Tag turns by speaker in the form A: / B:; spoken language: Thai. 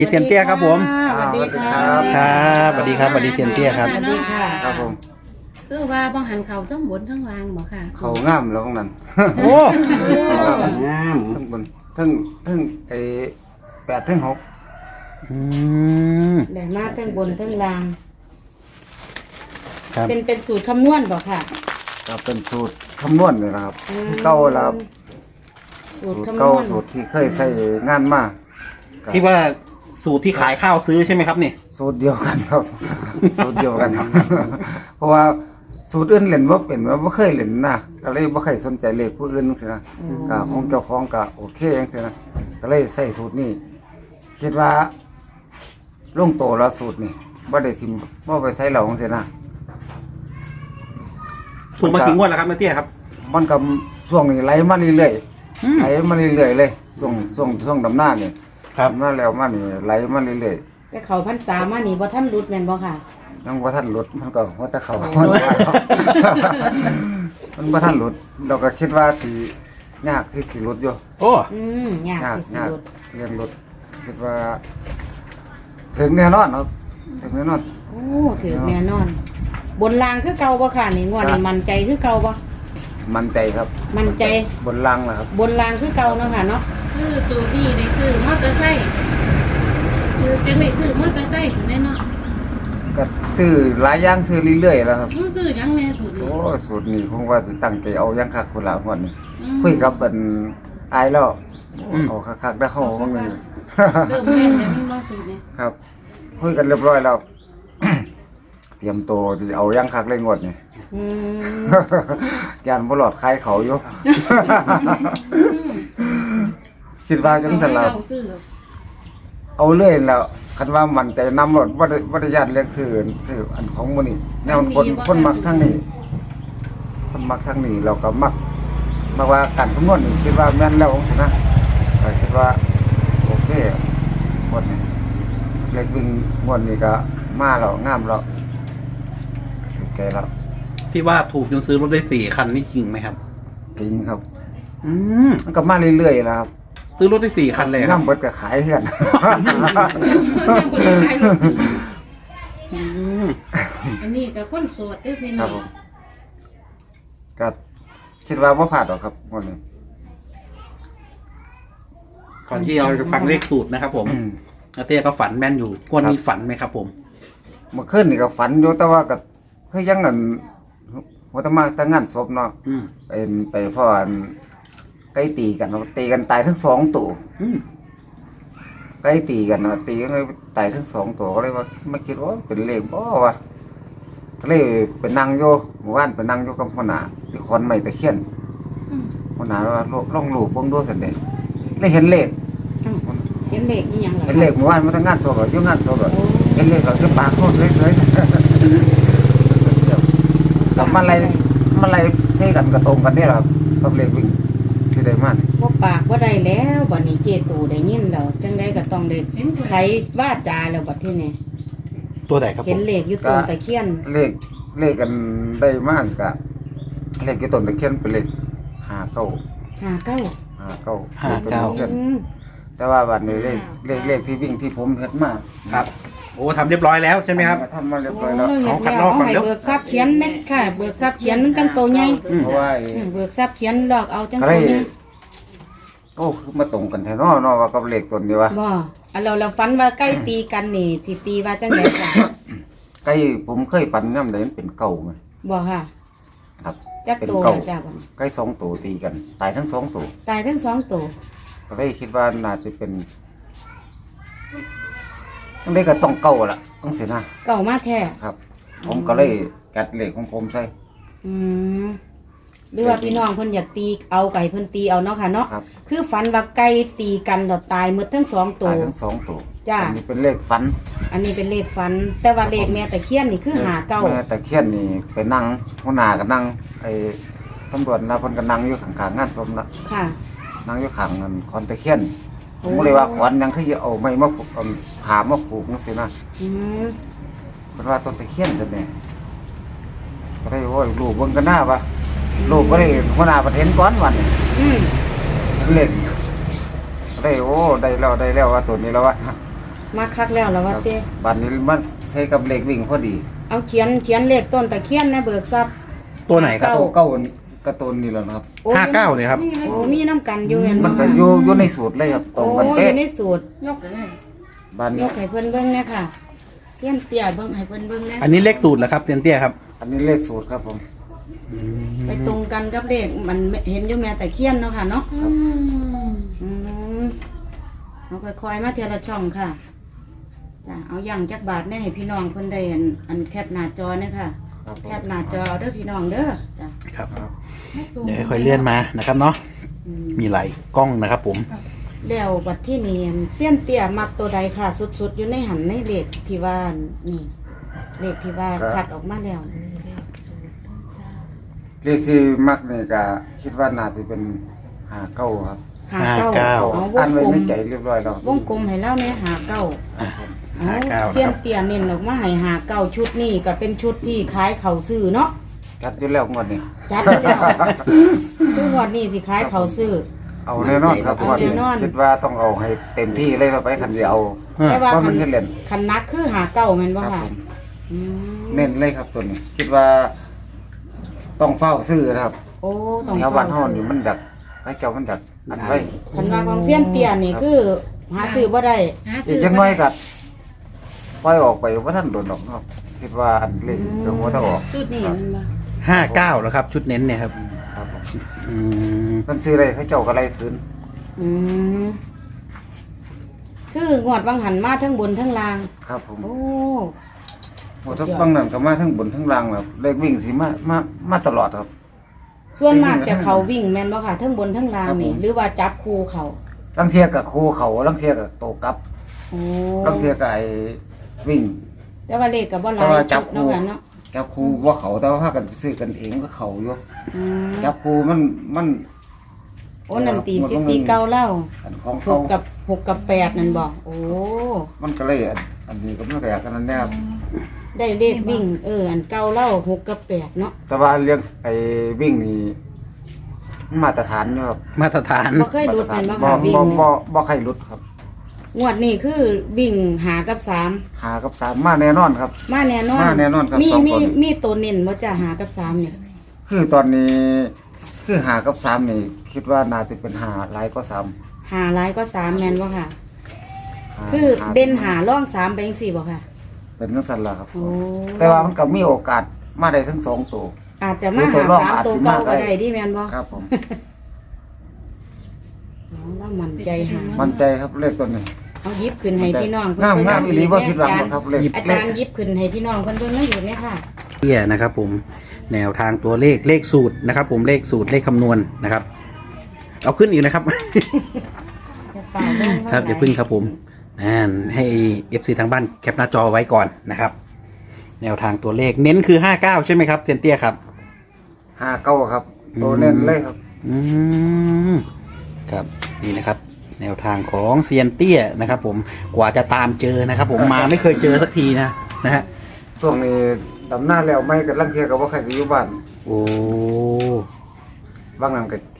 A: พี่เทียนเตี้ยครับผม
B: สวัสดีค่ะ
A: ครับสวัสดีครับสวัสดีเทียนเตี้ยครับ
B: สวัสดีค่ะ
C: ครับผม
B: คือว่าบ่หันเขาทั้งบนทั้งล่างบ่ค่ะ
C: เขางามแล้วของนั้น
A: โอ้
C: งามทั้งบนทั้งไอ้8ทั้ง6
A: อืม
D: ได้มาทั้งบนทั้งล่าง
A: ครับ
D: เป็นสูตรคำนวณบ่ค่ะ
C: ก็เป็นสูตรคำนวณนี่นะครับ
D: อืม
C: เก่าแล้วครับ
D: สูตร
C: สูตร
D: คำน
C: เก่าว
D: ณ
C: สูตรที่เคยใช้งานมาก็
A: ที่ว่าสูตรที่ขายข้าวซื้อใช่ไหมครับนี่
C: สูตรเดียวกันครับ สูตรเดียวกันครับ เพราะว่าสูตรอื่นเล่นบ่เป็นว่าบ่เคยเล่นนะก็เลยบ่เคยสนใจเลขผู้อื่นจังซี่นะก็ของเจ้าของก็โอเคจังซี่นะก็เลยใส่สูตรนี้คิดว่าลงโตแล้วสูตรนี่บ่ได้ทิ่มบ่ไปใส่เหล่าจังซี่นะ
A: ถูกมาถึงงวดแล้วครับแม่เตี้ยครับ
C: มันก็ช่วงนี้ไหลมาเรื่อย
A: อืม
C: ๆไหลมาเรื่อยๆเลยช่วงดำหน้านี่
A: ครับ
C: ดำหน้าแล้วมานี่ไหลมาเรื่อย
D: แต่เขาพรรษามานี่บ่ท่านรุดแม่นบ่ค่ะ
C: ๆยังบ่ทันหลุดมันก็ว่าจะเข้ามันบ่ทันหลุดเราก็คิดว่าสิยากที่สิหลุดอยู่
A: โอ้
D: ยาก
C: ยาก
D: ที่สุ
C: ยาก
D: ด
C: เรียนหลุดคิดว่าถึงแน่นอนครับถึงแน่นอน
D: โอ้ถือแน่นอน บนล่างคือเก่าบ่ค่ะนี่งวดนี้มั่นใจคือเก่าบ่
C: มั่นใจครับ
D: มั่นใจ
C: บนลังนะครับ
D: บนล่างคือเก่าเนาะค่ะเนาะ
B: คือสูตรนี้ได้ซื้อมอเตอร์ไซค์คือจังได้ซื้อมอเตอร์ไซค์แน่เนาะ
C: ก็ซื้อหลายอย่างซื้อเรื่อยๆแล้วครับ
B: มันซื้อหยังแน่สูตรนี้
C: โอ้สูตรนี้คงว่าสิตั้งใจเอาอยังคักคนละคนนี่
B: อืม
C: คุยกับเป็นอายแล้ว
A: อืม
C: เอาคักๆได้เข้าบ้างเลย
B: เริ่มแม่นแล้วมันบ่สูตรนี้
C: ครับคุยกันเรียบร้อยแล้ว เตรียมตัวที่เอาอยังคักเลยงวดนี่
D: อืม
C: ยานบ่หลอดคายเขาอยู่ คิดว่าจังซั่นล่ะ
B: เอาซื้อ
C: เอาเรื่อยแล้วคันว่ามันใจนำรถบ่ได้ญาติเรียกซื้ออันของมื้อนี้แนวคนมักทางนี้คนมักทางนี้เราก็มักว่าการคำนวณนี่คิดว่าแม่นแล้วจังซี่นะก็คิดว่าโอเคหมดนี่เลขวิ่งงวดนี้ก็มาแล้วงามแล้วโอเคแล้ว
A: ที่ว่าถูกจนซื้อรถได้4 คันนี่จริงไหมครับ
C: จริงครับ
A: อืม
C: มันก็มาเรื่อยๆนะครับ
A: ซื้อรถได้4 คันเลยค
C: งา
A: รับ
C: มเบิดก็ขายเฮือน
A: อืม
B: อันนี้ก็คนโสดเด้อพี่
C: ค
B: น้
C: รั
B: อบ ง
C: ผมก็คิดว่าบ่พลาดหรอกครับงวดนี้
A: ก่อนที่เราจะฟังเลขสูตรนะครับผมแม่เตี้ยก็ฝันแม่นอยู่งวดนี้ฝันไหมครับผม
C: เมื่อคืนนี่ก็ฝันอยู่แต่ว่าก็คือยังนั่นหัวตะมาแต่งานศพเนาะ
A: อืม
C: ไปพ่ออันไก่ตีกันเนาะตีกันตายทั้งสองตัว
A: อืม
C: ไก่ตีกันเนาะตีกันเลยตายทั้งสองตัวก็เลยว่าไม่คิดว่าเป็นเลขบ่วะก็เลยไปนั่งอยู่หมู่บ้านไปนั่งอยู่กับหัวหน้าที่คอนไม้ตะเคียน
B: อืม
C: หัวหน้าว่าลองรูปเบิ่งดูซั่นเด้เลยเห็นเลข
D: เห็นเลขอีหยังเหรอ
C: เห็นเลขหมู่บ้านมาทั้งงานศพอะอยู่งานศพอะ
D: โอ้
C: เห็นเลขก็คือปากโคตรเลยกับมันอะไรเซกันกระตรงกันนี่แหละครับกับเลขวิ่งที่ได้มา
D: บ่ปากบ่ได้แล้วบัดนี้เจตูได้ยินแล้วจังไดก็ต้องได้
B: เห็นตัว
D: ไขว่าจาแล้วบัดที่นี่
A: ตัวไหนครับผ
D: เห็น
A: ม
D: เลขอยู่ต้นตะเคียน
C: เลขกันได้มากกะเลขกี่ต้นตะเคียนเป็นเลขห้าเก้า
D: 59 อืม
C: แต่ว่าบัดนี้เลขที่วิ่งที่ผมเฮ็ดมา
A: ครับ โอ้ทำเรียบร้อยแล้วใช่ไหมครับ
C: ทำมาเรียบร้อยแล้ว
A: เอาคัดลอกก่อน
D: ให้
A: เร็ว
D: เบิกทรัพย์เขียนเม็ดค่ะ เบิกทรัพย์เขียนมันจังโตใหญ่
C: เพราะว่า
D: เบิกทรัพย์เขียนดอกเอาจัง
C: ก็
D: โต
C: เลย
D: ใหญ่
C: โอ้คือมาตรงกันแท้เนาะว่ากับเลขต้นนี้วะ
D: บ่อันเราฝันว่าใกล้ตีกันนี่สิตีว่าจังไดจ้ะ
C: ใกล้ผมเคยปันย่ำเลยมันเป็นเก่าไง
D: บ่ค่ะ
C: ครับ
D: จัก
C: เป็น
D: โต
C: เก่า
D: จ้ะบัดนี้
C: ใกล้สองตัวตีกัน ตายทั้งสองตัว
D: ตายทั้งสองโต
C: ก็เลยคิดว่าน่าจะเป็นต้องได้ก็ต้องเก่าละต้องสินะ
D: เก่ามาแท้
C: ครับ ผมก็เลยกัดเหล็กของผมใส่
D: อืมหรือว่าพี่น้องเพิ่นอยากตีเอาไก่เพิ่นตีเอาเนาะค่ะเนาะ
C: ครับ
D: คือฝันว่าไก่ตีกันดอกตายหมดทั้งสองโต
C: ตายทั้งสองตัว
D: จ้ะ
C: อันนี้เป็นเลขฟัน
D: อันนี้เป็นเลขฝัน แต่ว่าเลขแม่ตะเคียนนี่คือหาเก้า
C: แม่แต่เคียนนี่ไปนั่งหัวหน้าก็นั่งไอ้ตำรวจนะเพิ่นก็นั่งอยู่ข้างๆงานศพละ
D: ค่ะ
C: นั่งอยู่ข้างเงินคอนตะเคียนผมก็เลยว่าขวัญยังคือเอาไม้มาผูกเอาผ้ามาผูกจังซี่นะ
D: อืม
C: เพิ่นว่าต้นตะเคียนซั่นแหละก็ได้โอ้ยลูกเบิ่งกันหน้าว่าลูกก็ได้หัวหน้าประเทศก่อนวันนี้
D: อืม
C: เล่นก็ได้โอ้ได้แล้วว่าตัวนี้แล้ววะ
D: มาคักแล้วแล้วว่าเต้
C: บัดนี้มันใช้กับเลขวิ่งพอดี
D: เอาเขียนเลขต้นตะเคียนนะเบิกทรัพย์
A: ตัวไหนครับ
C: เก้าการะตูนนี่แหละนะครับ
D: โอ้
A: 59เนี่ยครับ
D: โอ้มีน้ำกันอยู่แม่น
C: มั
D: บ่
C: นก็อยู่ในสูตรเลยครับตร
D: โอ้
C: งกัน
D: อ
C: เป๊ะ
D: ยู่ในสูตร
B: ยกเลย
C: บัด
D: ย
C: นี้
D: กให้เพิ่นเบิ่งเนี่ยค่ะเสี้ยนเตี้ยเบิ่งให้เพิ่นเบิ่งนะ
A: อันนี้เลขสูตรเหรอครับเตียนเตี้ยครับ
C: อันนี้เลขสูตรครับผม
D: ไปตรงกันกับเลขมันเห็นอยู่แม่ตะเคียนเนาะค่ะเนาะ
B: อืม
D: อืมเอาค่อยๆมาเทียละช่องค่ะจ้ะเอาอย่างจักบาทเนี่ยให้พี่น้องเพิ่นได้อันแคปหน้าจอเนี่ยค่ะ
C: ครับผม
D: แคปหน้าจอเด้อพี่น้องเด้อจ้ะ
A: ครับ เดี๋ยวค่อยๆเลื่อนมานะครับเนาะ
D: อืม
A: มีหลายกล้องนะครับผม
D: แล้วบัดที่นี่เสี้ยนเตี้ยมักตัวใดค่ะ สุดๆอยู่ในหันในเลขที่ว่านี่เลขที่ว่าคัดออกมาแล้ว
C: เลขที่มักนี่ก็คิดว่าน่าจะเป็น59ครับ
D: หาเก้าเอาว
C: อั
D: ง
C: นไว้
D: กลม
C: ในใจเรียบร้อยแล้ว
D: วงกลมให้แล้วเนี่ยหาเก้า
A: อ่ะ
D: เอา
A: 59
D: เสี้ย
A: นะคน รับ
D: เตี้ยเน้นออกมาให้หาเก้าชุดนี่ก็เป็นชุดที่ขายเขาซื้อเนาะ
C: จัดอยู่แล้วงวดนี้
D: จัดแล้วคืองวดนี้สิขายเขาซื้อ
C: เอาแน่นอนครับ
D: เอา
C: งวดนี้
D: แน่นอน
C: คิดว่าต้องเอาให้เต็มที่เลยเราไปคันเดียวเอา
D: แต่ว่า
C: ว่า
D: คั
C: มัน
D: น
C: เฮ็ดเล่น
D: คันนักคือหาเก้าแม่นบ่
C: ครับ
D: ค่ะ
C: ผม
D: อืม
C: เน้นเลยครับตัวนี้ คิดว่า ต้องเฝ้าซื้อนะครับ
D: โอ้ต้อง
C: แถวบ้านเฮานี่มันดักไอ้เจ้ามันดักอันไว้
D: คันว่าของเสี้ยนเตี้ยนี่คือหาซื้อบ่ได้
B: หา
C: อี
B: ซื้
C: ก
B: อ
C: จังน้อยก็ปล่อยออกไปว่าท่านโดนดอกเนาะคิดว่าอันเล็กเดี๋ยวหัวถ้าออก
B: ชุดนี้มันบ่
A: 59แล้วครับ ชุดเน้นเนี่ยครับ
C: ครับผม
A: อืม
C: มันซื้ออะไรเขาเจ้าก็ไล่คืน
D: อืมคืองวดวังหันมาทั้งบนทั้งล่าง
C: ครับผม
D: โอ้
C: หมดทั้งบางนั้นก็มาทั้งบนทั้งล่างแบบเลขวิ่งสิมาตลอดครับ
D: ส่วนมากจะเขาวิ่งแม่นบ่ค่ะทั้งบนทั้งล่าง
C: ครับผม
D: นี่หรือว่าจับคู่เขา
C: ลังเทียกับครูเขาลังเทียกับโตกลับ
D: โอ้
C: ลังเทียกับไอ้วิ่ง
D: แต่ว่าเลขก็บ่หลา
C: แต่
D: ย
C: ว่าจั
D: ชุ
C: บ
D: ดเนาะ
C: คู่
D: ค่ะเนาะ
C: จับครูว่าเขาแต่ว่าพากันไปซื้อกันเองก็เขาอยู่
D: อืม
C: จับครูมัน
D: โอ้นั่นตีสิตีเก่าเล่า
C: อันของ
D: ห
C: เขา
D: กกับแปดนั่นบอกโอ้
C: มันก็เลยอันนี้ก็ไม่แก่กันนั่นแน่ครับ
D: ได้เลขวิ่ง อันเก่าเล่า6 กับ 8เนาะ
C: แต่ว่าเรื่องไอ้วิ่งนี่มาตรฐานอยู่ครับ
A: มาตรฐาน
D: บ่เคยหลุดแม่นบ่
C: บ่
D: ค่ะวิ่ง
C: บ่ใครหลุดครับ
D: งวดนี้คือวิ่งหากับ
C: หากับสามมาแน่นอนครับ
D: 3มาแน่นอน
C: มาแน่นอนครับ
D: มี
C: สอง
D: มี
C: คน
D: มีตัวเน้นบ่จ้ะหากับ3นี่
C: คือตอนนี้คือหากับสามนี่ คิดว่าน่าจะเป็นหาหลายก็สาม
D: หาหลายก็3แม่นบ่ค่ะ
C: หา
D: คือเด่นหาร่อง3ไปจังซี่บ่ค่ะ
C: เป็นจังซั่นล่ะครับ
D: โอ้
C: แต่ว่ามันก็มีโอกาสมาได้ทั้งสองตัว
D: อาจจะมา
C: ตัว
D: หา
C: ร่อง
D: 3
C: อาจ
D: ตัว
C: สิ
D: เก่า
C: มาได้
D: ก็ได้ดิแม่นบ่
C: ครับผม
D: เรามั่นใจหา
C: มั่นใจครับเลขตัวนี้
D: เอาหยิบขึ้นให้พี่น้อง
C: งาม
D: เพิ่น
C: งามอีหลีบ่ผิดหวังหรอกครับเลข
D: อา
C: เล
D: จาร
C: ข
D: ย์หยิบขึ้นให้พี่น้องเพิ่นเบิ่งนั่นอยู่เนี่ยค่ะ
A: เตี้ยนะครับผมแนวทางตัวเลขสูตรนะครับ ผมเลขสูตรเลขคำนวณนะครับ เอาขึ้นอีกนะครับ
D: จะฝากเบิ่ง
A: ครับอย่าพึ่งครับผมให้ FC ทางบ้านแคปหน้าจอไว้ก่อนนะครับ แนวทางตัวเลขเน้นคือ59ใช่ไหมครับเซียนเตี้ยครับ
C: หาเก้าครับ ตัวเน้นเลยครับ
A: อืมครับนี่นะครับ แนวทางของเซียนเตี้ยนะครับ ผมกว่าจะตามเจอนะครับ ผมมาไม่เคยเจอสักทีนะฮะ
C: ช่วงนี้ดำหน้าแล้วไม่กับลังเทียกับว่าใครอยู่บ้าน
A: โอ้
C: บางนั้นก็